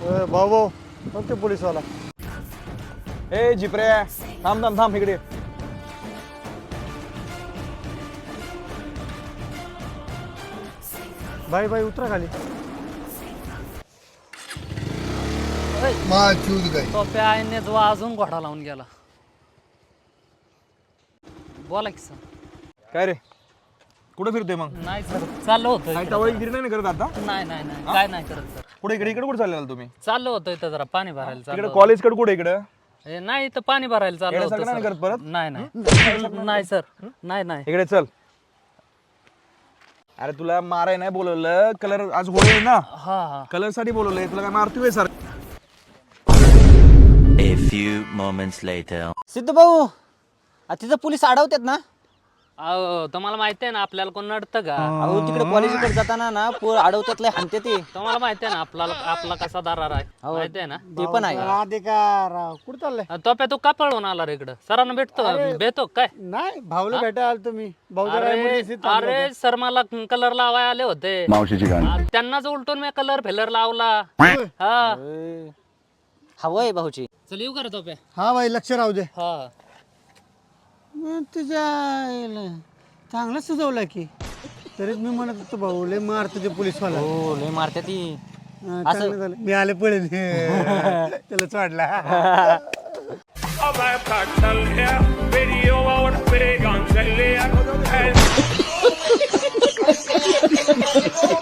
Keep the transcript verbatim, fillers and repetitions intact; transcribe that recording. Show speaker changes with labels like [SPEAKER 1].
[SPEAKER 1] भाऊ भाऊ मग ते पोलीसवाला.
[SPEAKER 2] ए जिप्रे थांब थांब थांब इकडे.
[SPEAKER 1] बाई बाई उतरा खाली.
[SPEAKER 3] टोप्या आईने जो अजून घोडा लावून गेला. बोला की सर.
[SPEAKER 2] काय रे कुठे फिरतोय मग?
[SPEAKER 3] नाही सर चाललो होतो
[SPEAKER 2] काय टवाळगिरी नाही करत आता?
[SPEAKER 3] नाही नाही नाही काय नाही करत सर.
[SPEAKER 2] कुठे इकडे इकडे कुठे चाललेला तुम्ही?
[SPEAKER 3] चाललो होतो इथं जरा पाणी भरायला
[SPEAKER 2] इकडे
[SPEAKER 3] चाललो.
[SPEAKER 2] कॉलेज कडे कुठे इकडे?
[SPEAKER 3] ए, नाही इथं पाणी भरायला चाललो होतो
[SPEAKER 2] येण्यासारखं नाही
[SPEAKER 3] सर.
[SPEAKER 2] करत परत?
[SPEAKER 3] नाही नाही नाही सर नाही नाही
[SPEAKER 2] इकडे चल. अरे तुला माराय नाही बोलवलं, कलर आज होळी आहे ना,
[SPEAKER 3] हा हा
[SPEAKER 2] कलर साठी बोलवलंय. तुला काय मारतोय sir?
[SPEAKER 4] A few moments later.
[SPEAKER 5] Siddhu भाऊ आ, तिथं पोलीस अडवतात ना.
[SPEAKER 3] अहो तुम्हाला माहिती आहे ना आपल्याला कोण नडतं का?
[SPEAKER 5] अहो तिकडे कॉलेजकडे जाताना ना पोर अडवतात लय हाणते ते.
[SPEAKER 3] तुम्हाला माहिती आहे ना आपल्याला आपला कसा दरार आहे माहिती आहे ना.
[SPEAKER 5] ते पण आहे.
[SPEAKER 1] अधिकार कुठं चाललंय?
[SPEAKER 3] टोप्या तू का पळून आला रे इकडं? सरांना भेटतो भेटतो काय?
[SPEAKER 1] नाही भाऊला भेटायला आलो तुम्ही. भाऊ जरा
[SPEAKER 3] अरे
[SPEAKER 1] emergency थांबलो
[SPEAKER 3] अरे
[SPEAKER 1] होतो.
[SPEAKER 3] सर मला कलर लावाय आले होते. आ, त्यांनाच उलटून मी कलर फेलर लावला. हा
[SPEAKER 5] हवंय भाऊची.
[SPEAKER 3] चल येऊ कर टोप्या.
[SPEAKER 1] हा बाई लक्ष राहू दे.
[SPEAKER 3] हा
[SPEAKER 1] मग तुझ्या आईला चांगलं सजवलं की. तरीच मी म्हणत होतो भाऊ लय मार तुझे पोलीसवाला.
[SPEAKER 5] हो लय मारते ती.
[SPEAKER 1] हा, चांगलं झालं. मी आले पळेल त्याला चढला.
[SPEAKER 6] Of my cartel here, video out, big on the